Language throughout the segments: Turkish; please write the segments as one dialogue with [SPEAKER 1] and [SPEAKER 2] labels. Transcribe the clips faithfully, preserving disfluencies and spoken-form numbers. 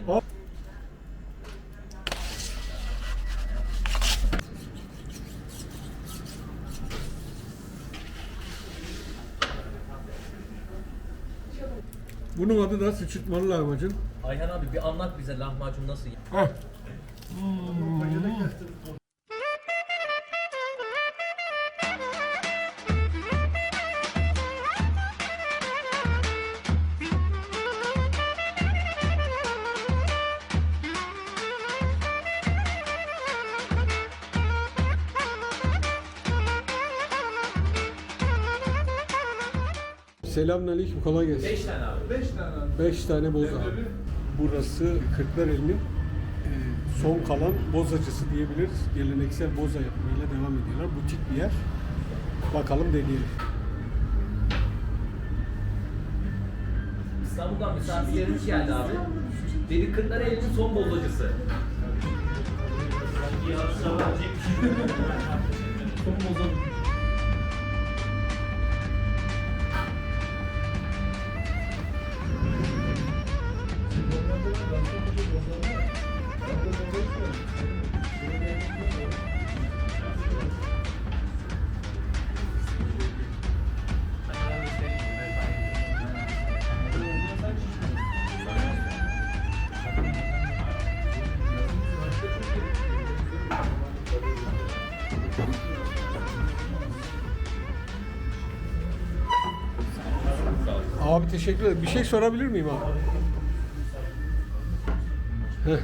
[SPEAKER 1] Hop. Bunun adı da sıçırtmalı lahmacun.
[SPEAKER 2] Ayhan abi bir anlat bize lahmacun nasıl?
[SPEAKER 1] Heh. Selamünaleyküm, kolay gelsin.
[SPEAKER 2] beş tane abi.
[SPEAKER 3] Beş tane abi.
[SPEAKER 1] beş tane boza. Burası Kırklareli'nin e, son kalan bozacısı diyebiliriz. Geleneksel boza yapımıyla devam ediyorlar. Butik bir yer. Bakalım deneyelim.
[SPEAKER 2] İstanbul'dan misafirlerimiz geldi abi. Dedi Kırklareli'nin son bozacısı. Son bozacı.
[SPEAKER 1] Abi teşekkür ederim. Bir şey sorabilir miyim abi? Heh.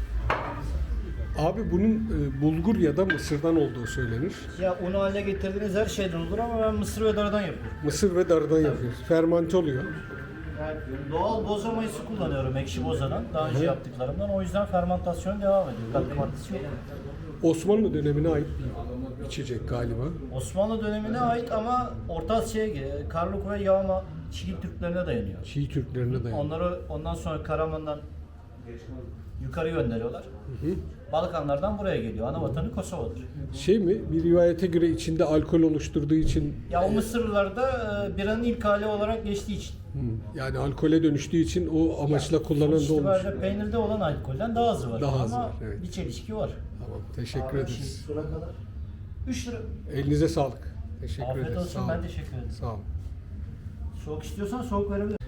[SPEAKER 1] Abi bunun e, bulgur ya da mısırdan olduğu söylenir.
[SPEAKER 4] Ya unu haline getirdiğiniz her şeyden olur ama ben mısır ve darıdan yapıyorum.
[SPEAKER 1] Mısır ve darıdan yapıyoruz. Fermante oluyor.
[SPEAKER 4] Yani doğal boza mayısı kullanıyorum ekşi bozadan. Daha önce yaptıklarımdan. O yüzden fermentasyon devam ediyor. Katkı maddesi yok.
[SPEAKER 1] Osmanlı dönemine ait bir içecek galiba.
[SPEAKER 4] Osmanlı dönemine ait ama Orta Asya'ya giriyor. Karluk ve yağma Çiğ Türklerine dayanıyor.
[SPEAKER 1] Çiğ Türklerine dayanıyor.
[SPEAKER 4] Onları ondan sonra Karaman'dan yukarı gönderiyorlar.
[SPEAKER 1] Hı hı.
[SPEAKER 4] Balkanlardan buraya geliyor. Ana vatanı Kosova'dır.
[SPEAKER 1] Şey mi? Bir rivayete göre içinde alkol oluşturduğu için
[SPEAKER 4] Ya o Mısırlılarda e, biranın ilk hali olarak geçtiği için.
[SPEAKER 1] Hı, yani alkole dönüştüğü için o amaçla
[SPEAKER 4] Yani
[SPEAKER 1] kullanan
[SPEAKER 4] sonuç
[SPEAKER 1] da olmuş.
[SPEAKER 4] itibariyle peynirde olan alkolden daha azı var.
[SPEAKER 1] Daha azı
[SPEAKER 4] ama
[SPEAKER 1] var, evet.
[SPEAKER 4] bir çelişki var.
[SPEAKER 1] Tamam, teşekkür ederiz.
[SPEAKER 4] Sura kadar. üç lira.
[SPEAKER 1] Elinize sağlık. Teşekkür
[SPEAKER 4] Afiyet
[SPEAKER 1] ederiz.
[SPEAKER 4] olsun,
[SPEAKER 1] Sağ olun.
[SPEAKER 4] ben teşekkür ederim.
[SPEAKER 1] Sağ olun.
[SPEAKER 4] Soğuk istiyorsan soğuk verebilirim.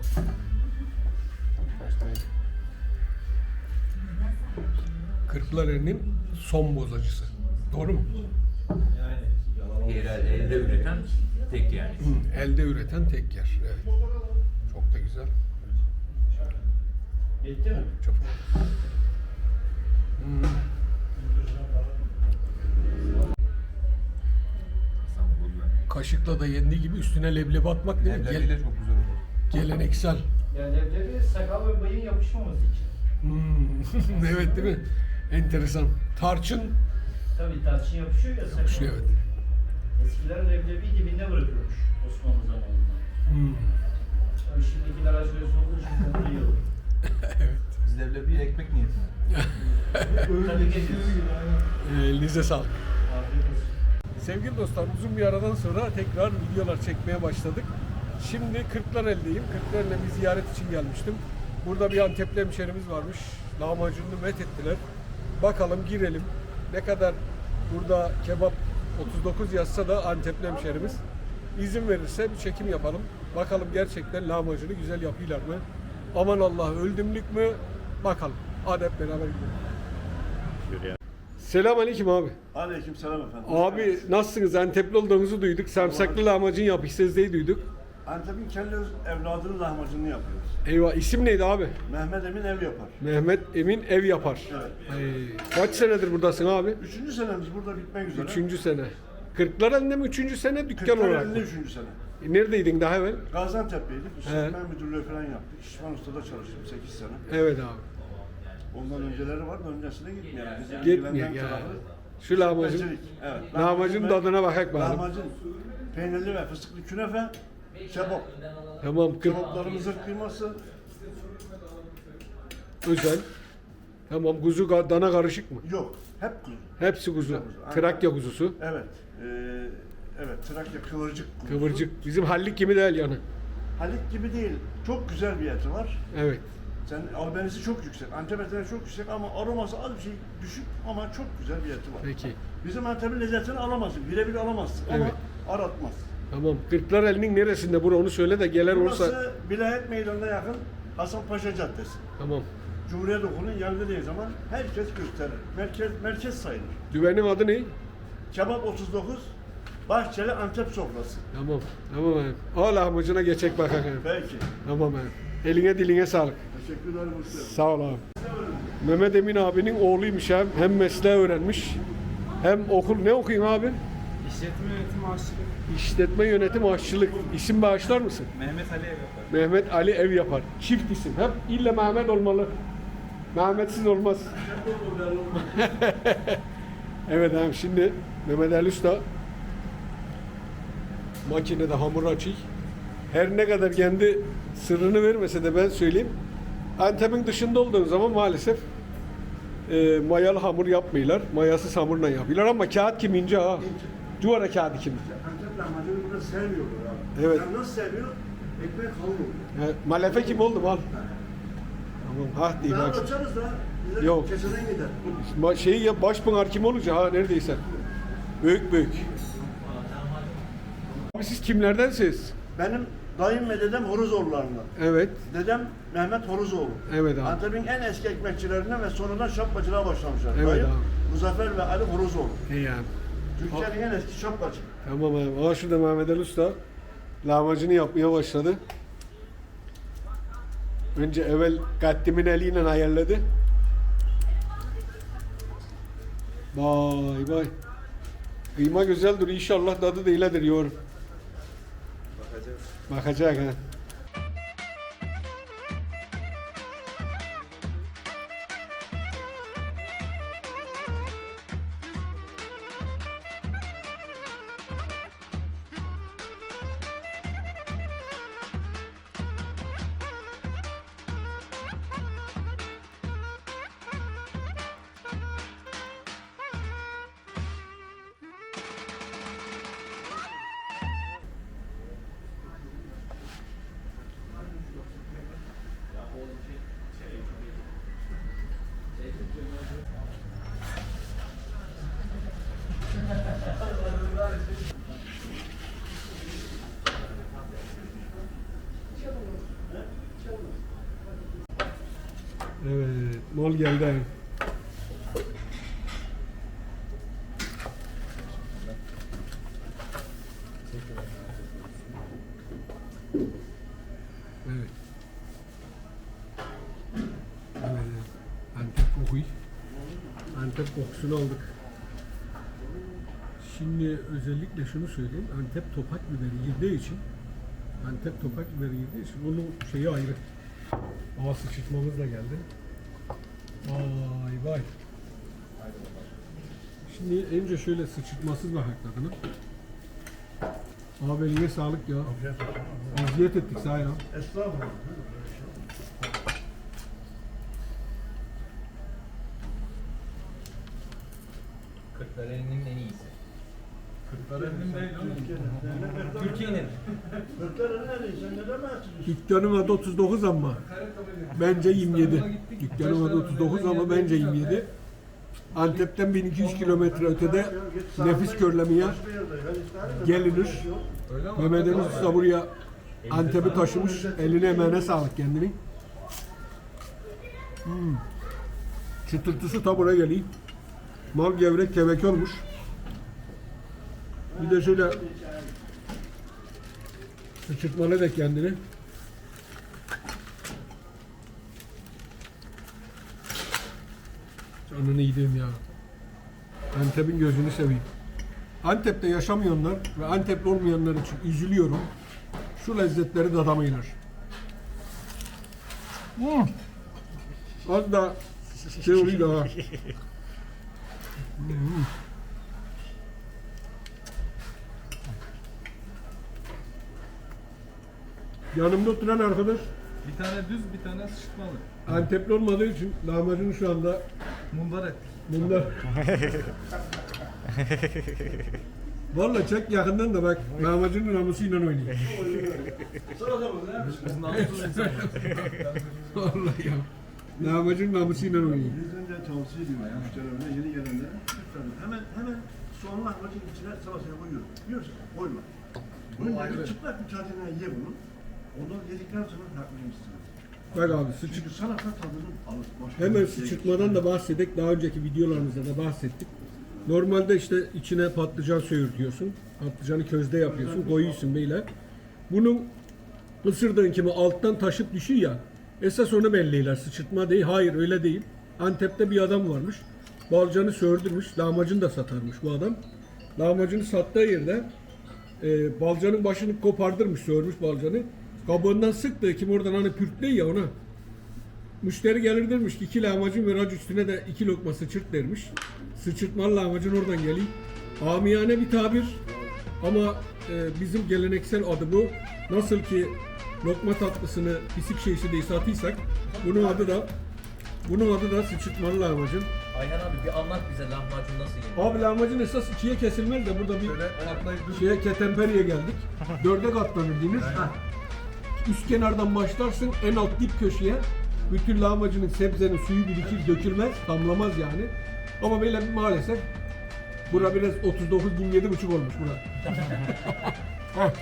[SPEAKER 1] Kırklareli'nin son bozacısı. Doğru mu?
[SPEAKER 2] Yerel elde üreten tek yani.
[SPEAKER 1] Hı, elde üreten tek yer. Evet. Çok da güzel.
[SPEAKER 4] Bitti mi?
[SPEAKER 1] Çok. Hmm. Kaşıkla da yendiği gibi üstüne leblebi atmak değil mi? Gel-
[SPEAKER 3] Leblebiyle çok güzel olur.
[SPEAKER 1] geleneksel.
[SPEAKER 4] Yani leblebi sakal ve bıyığın yapışmaması için.
[SPEAKER 1] Hmm. Evet değil mi? Enteresan. Tarçın.
[SPEAKER 4] Tabii tarçın yapışıyor ya sakal.
[SPEAKER 1] Yapışıyor, evet.
[SPEAKER 4] Eskiler leblebiyi dibinde bırakıyormuş Osmanlı zamanında.
[SPEAKER 1] Hmm.
[SPEAKER 4] Tabii şimdikiler aşırı olduğu için bunu yiyor.
[SPEAKER 3] Biz leblebiyi ekmek niyetine.
[SPEAKER 4] Tabii geliyoruz.
[SPEAKER 1] Ee, Elinize sağlık.
[SPEAKER 4] Afiyet olsun.
[SPEAKER 1] Sevgili dostlar, uzun bir aradan sonra tekrar videolar çekmeye başladık. Şimdi Kırklareli'deyim. Kırklareli'ne bir ziyaret için gelmiştim. Burada bir Antepli hemşerimiz varmış. Lahmacununu met ettiler. Bakalım girelim. Ne kadar burada kebap otuz dokuz yazsa da Antepli hemşerimiz izin verirse bir çekim yapalım. Bakalım gerçekten lahmacunu güzel yapıyorlar mı? Aman Allah, öldümlük mü? Bakalım. Hadi hep beraber gidelim. Selamünaleyküm abi.
[SPEAKER 5] Aleykümselam efendim.
[SPEAKER 1] Abi nasılsınız? Antepli olduğunuzu duyduk. Sarımsaklı lahmacun yapışsınız diye duyduk.
[SPEAKER 5] Antep'in kendi evladının lahmacununu yapıyoruz.
[SPEAKER 1] Eyvah, isim neydi abi?
[SPEAKER 5] Mehmet Emin ev yapar.
[SPEAKER 1] Mehmet Emin ev yapar.
[SPEAKER 5] Evet.
[SPEAKER 1] Ay, kaç senedir buradasın abi?
[SPEAKER 5] Üçüncü senemiz burada bitmek üzere.
[SPEAKER 1] Üçüncü sene. Kırklareli'nde mi üçüncü sene, dükkan olarak mı?
[SPEAKER 5] Kırklareli'nde üçüncü sene.
[SPEAKER 1] Neredeydin daha evvel?
[SPEAKER 5] Gaziantep'teydik.
[SPEAKER 1] He.
[SPEAKER 5] İşletme müdürlüğü falan yaptık. İşman Usta'da çalıştım sekiz sene.
[SPEAKER 1] Evet abi.
[SPEAKER 5] Ondan önceleri var da öncesine gitmeyelim. Bizi
[SPEAKER 1] Gitmiyor
[SPEAKER 5] ilgilenen
[SPEAKER 1] ya.
[SPEAKER 5] tarafı
[SPEAKER 1] Şu lahmacun.
[SPEAKER 5] işletmecilik. Evet.
[SPEAKER 1] Lahmacun
[SPEAKER 5] ve-
[SPEAKER 1] tadına bakak bakalım.
[SPEAKER 5] Lahmacun, peynirli ve fıstıklı künefe, kebap.
[SPEAKER 1] Tamam, kırk
[SPEAKER 5] Kebaplarımızın kıyması
[SPEAKER 1] özel. Tamam, kuzu ga- dana karışık mı?
[SPEAKER 5] yok. Hep kuzu.
[SPEAKER 1] Hepsi kuzu.
[SPEAKER 5] Hep kuzu, aynen.
[SPEAKER 1] Trakya kuzusu.
[SPEAKER 5] Evet. Ee, evet, Trakya kıvırcık kuzusu.
[SPEAKER 1] Kıvırcık. Bizim hallik gibi değil yani.
[SPEAKER 5] Halik gibi değil. Çok güzel bir eti var.
[SPEAKER 1] Evet.
[SPEAKER 5] Sen albenisi çok yüksek. Antep etine çok yüksek ama aroması az bir şey düşük ama çok güzel bir eti var.
[SPEAKER 1] Peki.
[SPEAKER 5] Bizim Antep'in lezzetini alamazsın. Birebir alamazsın ama
[SPEAKER 1] Evet.
[SPEAKER 5] aratmaz.
[SPEAKER 1] Tamam. Kırklareli'nin neresinde bura onu söyle de gelen olursa.
[SPEAKER 5] Burası Vilayet Meydanı'na yakın Hasanpaşa Caddesi.
[SPEAKER 1] Tamam.
[SPEAKER 5] Cumhuriyet Okulu'nun yanında zaman herkes gösterir. Merkez merkez sayılır.
[SPEAKER 1] Düvenin adı ne?
[SPEAKER 5] Kebap otuz dokuz, Bahçeli Antep sofrası.
[SPEAKER 1] Tamam. Tamam abi. Al lahmacuna geçek bakalım.
[SPEAKER 5] Belki.
[SPEAKER 1] Tamam abi. Eline diline sağlık.
[SPEAKER 5] Teşekkür ederim usta.
[SPEAKER 1] Sağ ol abi. Mehmet Emin abinin oğluymuş hem. Hem mesleği öğrenmiş. Hem okul ne okuyayım abi?
[SPEAKER 3] İşletme yönetimi aşçılık.
[SPEAKER 1] İşletme yönetim aşçılık. İsim bağışlar mısın?
[SPEAKER 3] Mehmet Ali ev yapar.
[SPEAKER 1] Mehmet Ali ev yapar. Çift isim. Hep illa Mehmet olmalı. Mehmetsiz olmaz. Evet abi şimdi Mehmet Ali Usta makinede hamur açıyor. Her ne kadar kendi sırrını vermese de ben söyleyeyim. Antep'in dışında olduğun zaman maalesef e, mayalı hamur yapmıyorlar. Mayasız hamurla yapıyorlar ama kağıt kimince ha. Cuvara kağıdı kimin.
[SPEAKER 5] Antep lahmacunu burada sevmiyorlar abi.
[SPEAKER 1] Evet.
[SPEAKER 5] Yani nasıl sevmiyor? Ekmek kalın oluyor.
[SPEAKER 1] He, malefe kim oldu mal? Tamam ha değil
[SPEAKER 5] Daha
[SPEAKER 1] bak.
[SPEAKER 5] açarız da bize
[SPEAKER 1] Yok.
[SPEAKER 5] keseden gider.
[SPEAKER 1] Ma- Şeyi ya başpınar kim olunca ha neredeyse. Büyük büyük. Abi siz kimlerdensiniz?
[SPEAKER 5] Benim dayım ve dedem Horozoğullarından.
[SPEAKER 1] Evet.
[SPEAKER 5] Dedem Mehmet Horozoğlu.
[SPEAKER 1] Evet abi.
[SPEAKER 5] Antep'in en eski ekmekçilerinden ve sonradan şapkacılığa başlamışlar.
[SPEAKER 1] Evet
[SPEAKER 5] Dayım
[SPEAKER 1] abi.
[SPEAKER 5] Muzaffer ve Ali Horozoğlu.
[SPEAKER 1] İyi yani.
[SPEAKER 5] Türkiye'nin en eski şapkacı.
[SPEAKER 1] Tamam abi. Aa şurada Mehmet Ali Usta lahmacunu yapmaya başladı. Önce evvel kaddimin eliyle ayarladı. Vay vay. Kıyma güzeldir inşallah tadı da iyidir yorum.
[SPEAKER 3] Bakacağız.
[SPEAKER 1] Bakacak ha. Evet, mol geldi. abi. Evet. Evet. Antep kokuyu. Antep kokusunu aldık. Şimdi özellikle şunu söyleyeyim. Antep topak biberi girdiği için Antep topak biberi girdiği için onun şeyi ayrı. Hava sıçırtmamız da geldi. Vay vay. Şimdi önce şöyle sıçırtmasız bakak tadına. Abi eline sağlık ya. Eziyet ettik sağ ya.
[SPEAKER 5] Estağfurullah.
[SPEAKER 2] Kırklareli'nin en iyisi.
[SPEAKER 3] Kırklareli'nin değil oğlum.
[SPEAKER 2] Türkiye'nin.
[SPEAKER 5] Kırklareli neredeyiz? Sen neden bahsediyorsun?
[SPEAKER 1] Dükkanım adı otuz dokuz ama bence yirmi yedi. Dükkanım adı otuz dokuz ama bence yirmi yedi. Antep'ten bin iki yüz kilometre ötede nefis körlemeye gelinir. Mehmet Ali Usta buraya Antep'i taşımış. Eline emeğine sağlık kendini. Hmm. Çıtırtısı ta buraya geliyor. Mal gevrek kebek olmuş. Bir de şöyle sıçırtmalı da kendini. Canını yediğim ya. Antep'in gözünü seveyim. Antep'te yaşamayanlar ve Antep'li olmayanlar için üzülüyorum. Şu lezzetleri tadamayınlar. Hmm. Az da şey oluyor ha. Hmm. Yanımda oturan arkadaş
[SPEAKER 3] Bir tane düz, bir tane sıçırtmalı.
[SPEAKER 1] Antepli olmadığı için lahmacunu şu anda
[SPEAKER 3] Mundar et.
[SPEAKER 1] bunda Vallahi çek yakından da bak lahmacunun namusuyla oynuyor.
[SPEAKER 3] Biz namussuz insanlarız.
[SPEAKER 1] Vallahi ya. Lahmacunun namusuyla oynuyor.
[SPEAKER 5] Bizden de tavsiye ediyorum müşterilerine, yeni gelenlere. Lütfen hemen hemen soğan lahmacun içine salataya koyuyor. Yiyorsun, koyma. Bunun bir çıplak bir tadına ye bunu. Onu yedikten sonra farklı yemişsiniz.
[SPEAKER 1] Bak abi sıçık.
[SPEAKER 5] Çünkü salata tadını alır. Başka
[SPEAKER 1] Hemen
[SPEAKER 5] bir şey
[SPEAKER 1] sıçırtmadan da bahsettik. Daha önceki videolarımızda da bahsettik. Normalde işte içine patlıcan söğürtüyorsun. Patlıcanı közde yapıyorsun. Koyuyorsun beyler. Bunun ısırdığın kimi alttan taşıp düşüyor ya. Esas onu belliler. Sıçırtma değil. Hayır öyle değil. Antep'te bir adam varmış. Balcanı söğürdürmüş. Lahmacun da satarmış bu adam. Lahmacunu sattığı yerde e, balcanın başını kopardırmış. Söğürmüş balcanı. Kabuğundan sıktı. Kim oradan hani pürtleyi ya ona. Müşteri gelir dermiş ki iki lahmacun ver hacı üstüne de iki lokma sıçırt dermiş. Sıçırtmalı lahmacun oradan geliyor. Amiyane bir tabir ama e, bizim geleneksel adı bu. Nasıl ki lokma tatlısını pisik şeysi diye satıysak bunun adı da bunun adı da sıçırtmalı lahmacun.
[SPEAKER 2] Ayhan abi bir anlat bize lahmacun nasıl yenir?
[SPEAKER 1] Abi lahmacun esas ikiye kesilmez de burada bir
[SPEAKER 3] Şöyle katlayıp dur.
[SPEAKER 1] şeye ketemperiye geldik. Dörde katlanır deniz. Üst kenardan başlarsın en alt dip köşeye. Bütün lahmacunun sebzenin suyu birikir, dökülmez, damlamaz yani. Ama böyle maalesef bura biraz otuz dokuz yirmi yedi buçuk olmuş bura. Heh.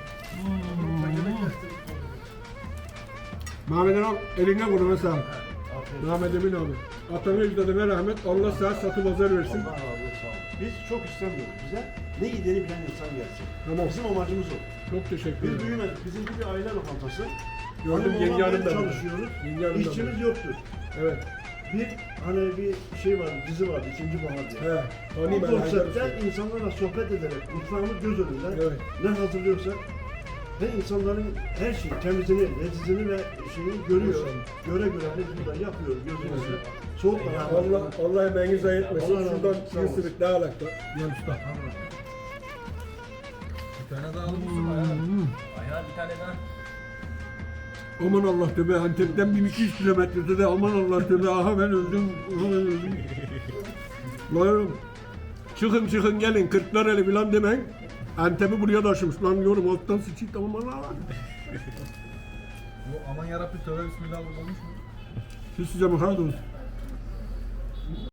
[SPEAKER 1] Mehmet abi eline koluna sağlık. Mehmet Emin abi. Atanın ecdadına rahmet. Allah sağ satı pazar versin.
[SPEAKER 5] Allah razı olsun. Biz çok istemiyoruz. Bize ne yediğini bilen insan gelsin.
[SPEAKER 1] Tamam.
[SPEAKER 5] Bizim amacımız o.
[SPEAKER 1] Çok teşekkür
[SPEAKER 5] Biz
[SPEAKER 1] ederim.
[SPEAKER 5] büyümedik. Bizimki bir aile lokantası.
[SPEAKER 1] Gördüm,
[SPEAKER 5] Hanım
[SPEAKER 1] yenge
[SPEAKER 5] oğlan
[SPEAKER 1] hanım da
[SPEAKER 5] ben
[SPEAKER 1] burada.
[SPEAKER 5] çalışıyoruz.
[SPEAKER 1] Yenge hanım da
[SPEAKER 5] İşçimiz
[SPEAKER 1] burada.
[SPEAKER 5] yoktur.
[SPEAKER 1] Evet.
[SPEAKER 5] Bir hani bir şey var, dizi vardı, ikinci bahar diye.
[SPEAKER 1] He.
[SPEAKER 5] Bu
[SPEAKER 1] Tanıyım ben. Haydar
[SPEAKER 5] konseptte
[SPEAKER 1] Usta.
[SPEAKER 5] insanlarla sohbet ederek, mutfağımız göz önünde
[SPEAKER 1] Evet.
[SPEAKER 5] ne hazırlıyorsak ve insanların her şeyi, temizliğini, lezzetini ve şeyini görüyor.
[SPEAKER 1] Maşallah.
[SPEAKER 5] Göre göre biz burada yapıyoruz gözümüzle. Soğuk da
[SPEAKER 1] Allah Allah emeğinizi zayi etmesin.
[SPEAKER 5] Allah razı
[SPEAKER 1] Şuradan
[SPEAKER 5] olsun, sağ
[SPEAKER 1] bir
[SPEAKER 5] olun.
[SPEAKER 1] ısırık daha alakta. Gel usta.
[SPEAKER 3] Bir tane daha alıp olsun Ayhan abi.
[SPEAKER 2] Ayhan bir tane daha.
[SPEAKER 1] Aman Allah tövbe Antep'ten bin iki yüz kilometrede de aman Allah tövbe aha ben öldüm, aha ben öldüm. Lan çıkın çıkın gelin Kırklareli falan demeyin. Antep'i buraya taşımış lan diyorum alttan sıçayım tamam Allah.
[SPEAKER 3] Bu aman yarabbi tövbe bismillah olmuş mu?
[SPEAKER 1] Siz size bakar mısınız?